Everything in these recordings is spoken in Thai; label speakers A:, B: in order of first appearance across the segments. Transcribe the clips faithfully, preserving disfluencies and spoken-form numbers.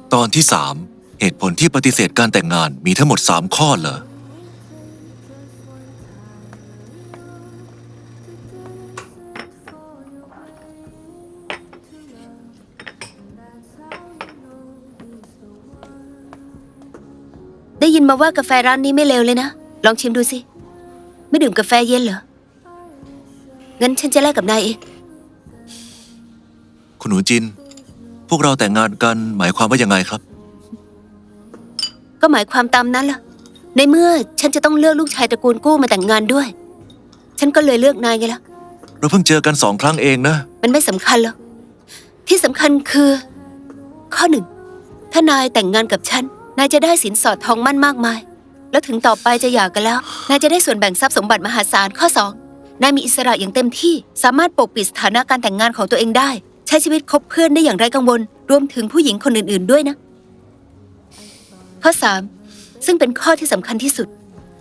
A: ตอนที่สามเหตุผลที่ปฏิเสธการแต่งงานมีทั้งหมดสามข้อเหรอ
B: ได้ยินมาว่ากาแฟร้านนี้ไม่เลวเลยนะลองชิมดูสิไม่ดื่มกาแฟเย็นเหรองั้นฉันจะแลกกับนายเอง
A: คุณหนูจินพวกเราแต่งงานกันหมายความว่ายังไงครับ
B: ก็หมายความตามนั้นล่ะในเมื่อฉันจะต้องเลือกลูกชายตระกูลกู้มาแต่งงานด้วยฉันก็เลยเลือกนายไงล่ะ
A: เราเพิ่งเจอกันสองครั้งเองนะ
B: มันไม่สำคัญหรอกที่สำคัญคือข้อหนึ่งถ้านายแต่งงานกับฉันนายจะได้สินสอดทองมั่นมากมายแล้วถึงต่อไปจะหย่ากันแล้วนายจะได้ส่วนแบ่งทรัพย์สมบัติมหาศาลข้อสองนายมีอิสระอย่างเต็มที่สามารถปกปิดสถานะการแต่งงานของตัวเองได้ใช้ชีวิตคบเพื่อนได้อย่างไร้กังวลรวมถึงผู้หญิงคนอื่นๆด้วยนะข้อสามซึ่งเป็นข้อที่สำคัญที่สุด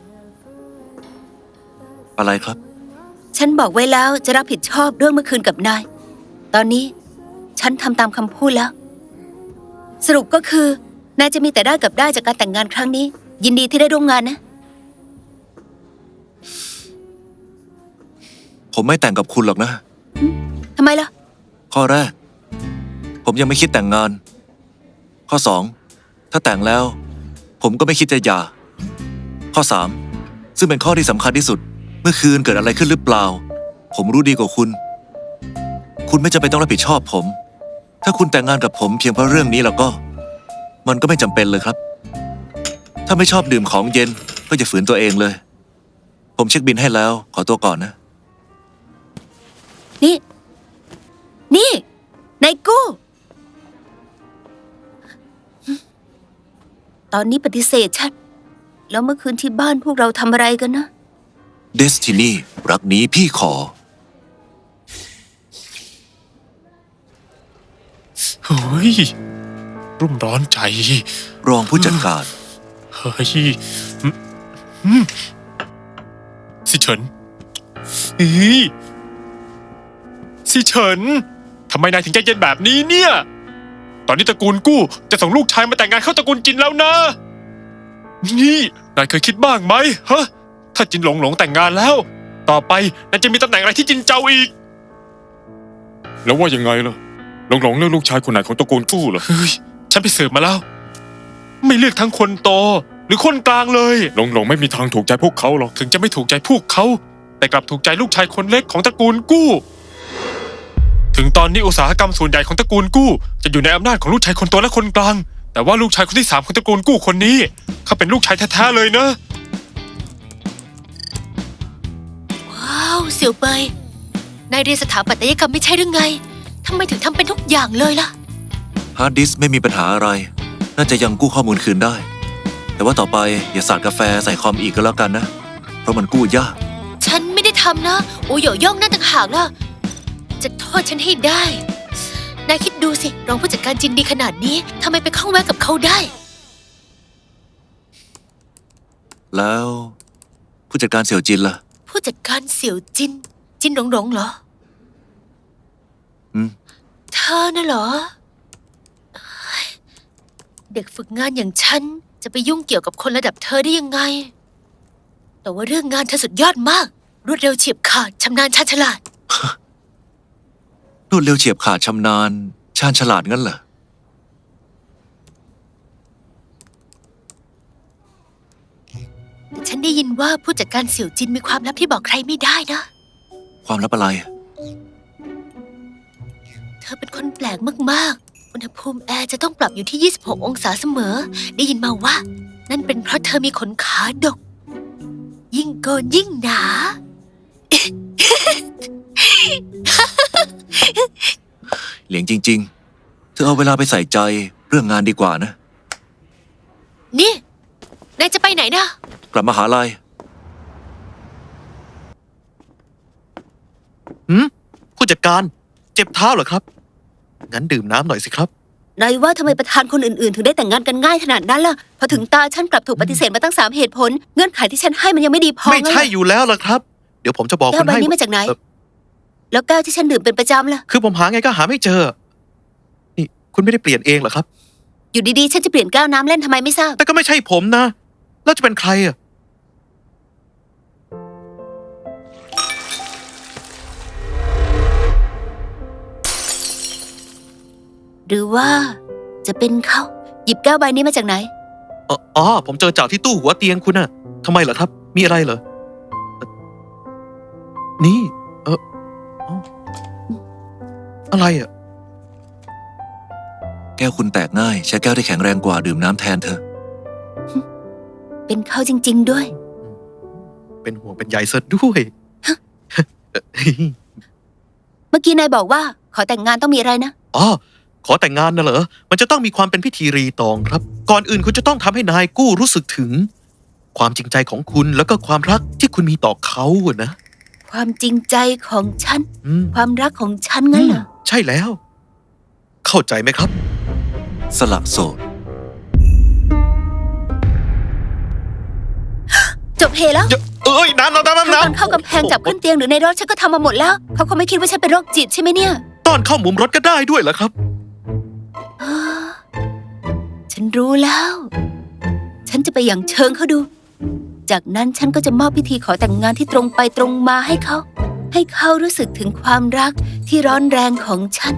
A: อะไรครับ
B: ฉันบอกไว้แล้วจะรับผิดชอบเรื่องเมื่อคืนกับนายตอนนี้ฉันทำตามคำพูดแล้วสรุปก็คือนายจะมีแต่ได้กับได้จากการแต่งงานครั้งนี้ยินดีที่ได้ร่วมงานนะ
A: ผมไม่แต่งกับคุณหรอกนะ
B: ทำไมล่ะ
A: ข้อแรกผมยังไม่คิดแต่งงานข้อสองถ้าแต่งแล้วผมก็ไม่คิดจะหย่าข้อสามซึ่งเป็นข้อที่สำคัญที่สุดเมื่อคืนเกิดอะไรขึ้นหรือเปล่าผมรู้ดีกว่าคุณคุณไม่จำเป็นต้องรับผิดชอบผมถ้าคุณแต่งงานกับผมเพียงเพราะเรื่องนี้แล้วก็มันก็ไม่จำเป็นเลยครับถ้าไม่ชอบดื่มของเย็นก็อย่าฝืนตัวเองเลยผมเช็คบิลให้แล้วขอตัวก่อนนะ
B: นี่นี่นายกู้ตอนนี้ปฏิเสธฉันแล้วเมื่อคืนที่บ้านพวกเราทำอะไรกันนะ
A: เดสตินีรักนี้พี่ขอ
C: เฮ้ยรุ่มร้อนใจ
A: รองผู้จัดการ
C: เฮ้ยสิเฉินเฮ้ยสิเฉินทำไมนายถึงใจเย็นแบบนี้เนี่ยตอนนี้ตระกูลกู้จะส่งลูกชายมาแต่งงานเข้าตระกูลจินแล้วนะนี่นายเคยคิดบ้างไหมฮะถ้าจินหลงหลงแต่งงานแล้วต่อไปนายจะมีตำแหน่งอะไรที่จินเจ้าอีกแล้วว่ายังไงล่ะหลงหลงเลือกลูกชายคนไหนของตระกูลกู้เหรอเฮ้ยฉันไปสืบมาแล้วไม่เลือกทั้งคนโตหรือคนกลางเลยหลงหลงไม่มีทางถูกใจพวกเขาหรอกถึงจะไม่ถูกใจพวกเขาแต่กลับถูกใจลูกชายคนเล็กของตระกูลกู้ถึงตอนนี้อุตสาหกรรมส่วนใหญ่ของตระกูลกู้จะอยู่ในอำนาจของลูกชายคนโตและคนกลางแต่ว่าลูกชายคนที่สามของตระกูลกู้คนนี้เขาเป็นลูกชายแท้ๆเลยนะ
B: ว้าวเสี่ยวเปยนายเรียนสถาปัตยกรรมไม่ใช่หรือไงทำไมถึงทำเป็นทุกอย่างเลยล่ะ
A: ฮาร์ดดิสก์ไม่มีปัญหาอะไรน่าจะยังกู้ข้อมูลคืนได้แต่ว่าต่อไปอย่าสาดกาแฟใส่คอมอีกก็แล้วกันนะเพราะมันกู้ยาก
B: ฉันไม่ได้ทำนะโอโยย่องนั่นต่างหากล่ะจะโทษฉันให้ได้นายคิดดูสิรองผู้จัดการจินดีขนาดนี้ทำไมไปข้องแวะกับเขาได้
A: แล้วผู้จัดการเสี่ยวจินล่ะ
B: ผู้จัดการเสี่ยวจินจินหลงหลงเหรอ
A: อืม
B: เธอน่ะเหรอเด็กฝึกงานอย่างฉันจะไปยุ่งเกี่ยวกับคนระดับเธอได้ยังไงแต่ว่าเรื่องงานเธอสุดยอดมากรวดเร็วเฉียบขาดชำนาญชาญฉลาด
A: รวดเร็วเฉียบขาดชำนาญชาญฉลาดงั้นเหรอ
B: แต่ฉันได้ยินว่าผู้จัดการเสี่ยวจินมีความลับที่บอกใครไม่ได้นะ
A: ความลับอะไร
B: เธอเป็นคนแปลกมากๆอุณหภูมิแอร์จะต้องปรับอยู่ที่ยี่สิบหกองศาเสมอได้ยินมาว่านั่นเป็นเพราะเธอมีขนขาดกยิ่งโกนยิ่งหนา
A: เหลียงจริงๆเธอเอาเวลาไปใส่ใจเรื่องงานดีกว่านะ
B: นี่นายจะไปไหนนะ
A: กลับมหาลัย
D: หืมผู้จัดการเจ็บเท้าเหรอครับงั้นดื่มน้ำหน่อยสิครับ
B: นายว่าทำไมประธานคนอื่นๆถึงได้แต่งงานกันง่ายขนาดนั้นล่ะพอถึงตาฉันกลับถูกปฏิเสธมาตั้งสามเหตุผลเงื่อนไขที่ฉันให้มันยังไม่ดีพอ
D: ไม่ใช่อยู่แล้วล่ะครับเดี๋ยวผมจะบอกคุณให้
B: แก้วใบนี้มาจากไหนแล้วแก้วที่ฉันดื่มเป็นประจำล่ะ
D: คือผมหาไงก็หาไม่เจอนี่คุณไม่ได้เปลี่ยนเองเหรอครับ
B: อยู่ดีๆ ฉันจะเปลี่ยนแก้วน้ำเล่นทำไมไม่ทราบ
D: แต่ก็ไม่ใช่ผมนะ แล้วจะเป็นใครอ่ะ
B: หรือว่าจะเป็นเขาหยิบแก้วใบนี้มาจากไหน
D: อ๋ออ๋อ ผมเจอจากที่ตู้หัวเตียงคุณน่ะทำไมเหรอครับ มีอะไรเหรอเอ่อนี่ เอออ๋ออะไรอ่ะ
A: แก้วคุณแตกง่าย ใช้แก้วที่แข็งแรงกว่าดื่มน้ำแทนเธอะ
B: เป็นเขาจริง ๆด้วย
D: เป็นห่วงเป็นใยซะด้วย
B: เมื่อกี้นายบอกว่า ขอแต่งงานต้องมีอะไรนะ
D: อ๋อ ขอแต่งงานนะเหรอ มันจะต้องมีความเป็นพิธีรีตองครับ ก่อนอื่นคุณจะต้องทำให้นายกู้รู้สึกถึง ความจริงใจของคุณแล้วก็ความรักที่คุณมีต่อเขาอะนะ
B: ความจริงใจของฉัน
D: อืม
B: ความรักของฉันงั้นเหรอ
D: ใช่แล้ว เข้าใจไหมครับ
A: สละโสด
B: จบเฮแล้ว
D: เดี๋ยวเอ้ยน้ำน้ำน้ำ
B: ทั้ง
D: น้ำ
B: ตอนเข้ากำแพงจับขึ้นเตียงหรือในรถฉันก็ทำมาหมดแล้ว เขาคงไม่คิดว่าฉันเป็นโรคจิตใช่ไหมเนี่ย
D: ตอนเข้ามุมรถก็ได้ด้วยเหรอครับ
B: อ้าฉันรู้แล้ว ฉันจะไปอย่างเชิงเขาดู จากนั้นฉันก็จะมอบพิธีขอแต่งงานที่ตรงไปตรงมาให้เขา ให้เขารู้สึกถึงความรักที่ร้อนแรงของฉัน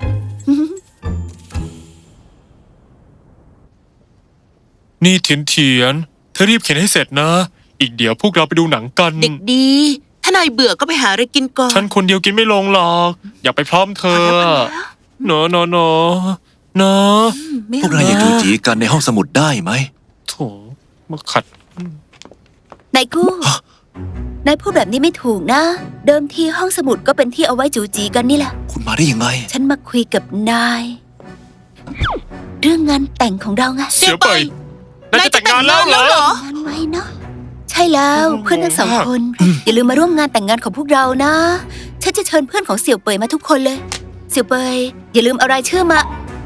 C: นี่เถียนเถียนเธอรีบเขียนให้เสร็จนะ อีกเดี๋ยวพวกเราไปดูหนังกัน
E: เด็กดี ถ้านายเบื่อก็ไปหาอะไรกินก่อน
C: ฉันคนเดียวกินไม่ลงหรอก อยากไปพร้อมเธอเนอะเนอะเนอะเนอะ
E: อืมไม่
A: พวก
E: เอา
A: นายอย่าจูจีกันในห้องสมุดได้ไหม
C: โถมาขัด
B: นายกู้ นายพูดแบบนี้ไม่ถูกนะ เดิมทีห้องสมุดก็เป็นที่เอาไว้จูจีกันนี่แหละ
A: คุณมาได้ยังไง
B: ฉันมาคุยกับนาย เรื่องงานแต่งของเราไง
C: เสียไปนายจะแต่งงานแล้วเหรอ
B: งานไว้เนาะใช่แล้วเพื่อนทั้งสองคน อย่าลืมมาร่วมงานแต่งงานของพวกเรานะ ฉันจะเชิญเพื่อนของเสี่ยวเปยมาทุกคนเลย เสี่ยวเปยอย่าลืมเอารายชื่อมา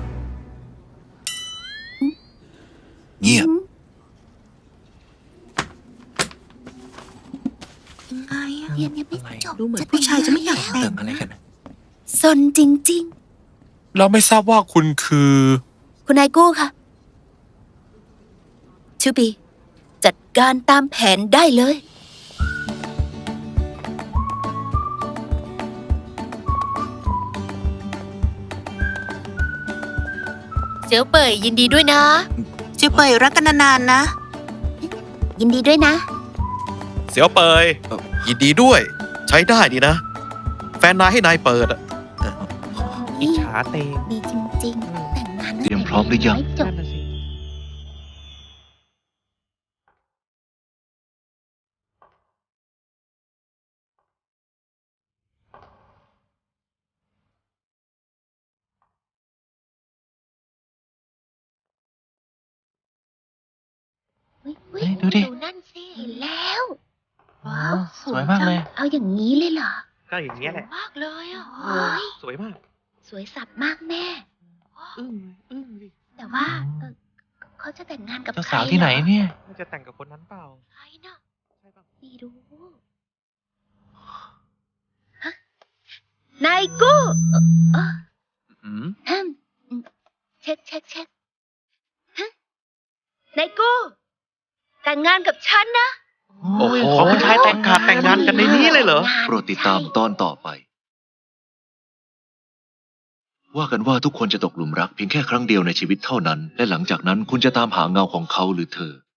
A: เงียบ
E: ยังไงอะ
B: เรียนยังไม่จบ
E: ดูเหมือนผู้ชายจะไม่อยากแต่
A: แต่
E: ง
A: งอะไรกัน
B: ซนจริง
C: เราไม่ทราบว่าคุณคือ
B: ๆ คุณนายกู้ค่ะ ชูปี จัดการตามแผนได้เลย เสี่ยวเปยยินดีด้วยนะ
E: เจียวเปยรักกันนานๆนะ
B: ยินดีด้วยนะ
D: เสียวเปยยินดีด้วย ใช้ได้ดีนะ แฟนนายให้นายเปิดอะ
F: อิจฉาเตง
B: ดีจริงๆ แต่งงาน
A: เตรียมพร้อมหรือยัง
B: ไม่จบ
F: นั่นน่ะสิ
B: เฮ้ย
F: เฮ้ยดูดิ
B: นั่นสิเห็นแล้ว ว้าว
F: สวยมากเลย
B: เอาอย่างนี้เลยเหรอ
F: ก็อย่างเงี้ยแหละ
B: มากเลยอ่ะเฮ้ย
F: สวยมาก
B: สวยสับมากแม่
F: อึ้งอึ้งดิ
B: แต่ว่าเออเขาจะแต่งงานกับ
F: เจ้า
B: ใคร
F: สาวที่ไหน
B: รอ
F: เนี่ยมันจะแต่งกับคนนั้นเปล่า
B: ใครนะไม่รู้ฮะนายกู้เอ่อเอ่อ
D: อืม
B: อืมอืมเช็คเช็คเช็คฮะนายกู้แต่งงานกับฉันนะ
F: โอ้โหขอผู้ชายแต่งขาดแต่งงานกันในนี้เลยเหรอ
A: โปรดติดตามตอนต่อไป ว่ากันว่าทุกคนจะตกหลุมรักเพียงแค่ครั้งเดียวในชีวิตเท่านั้น และหลังจากนั้นคุณจะตามหาเงาของเขาหรือเธอ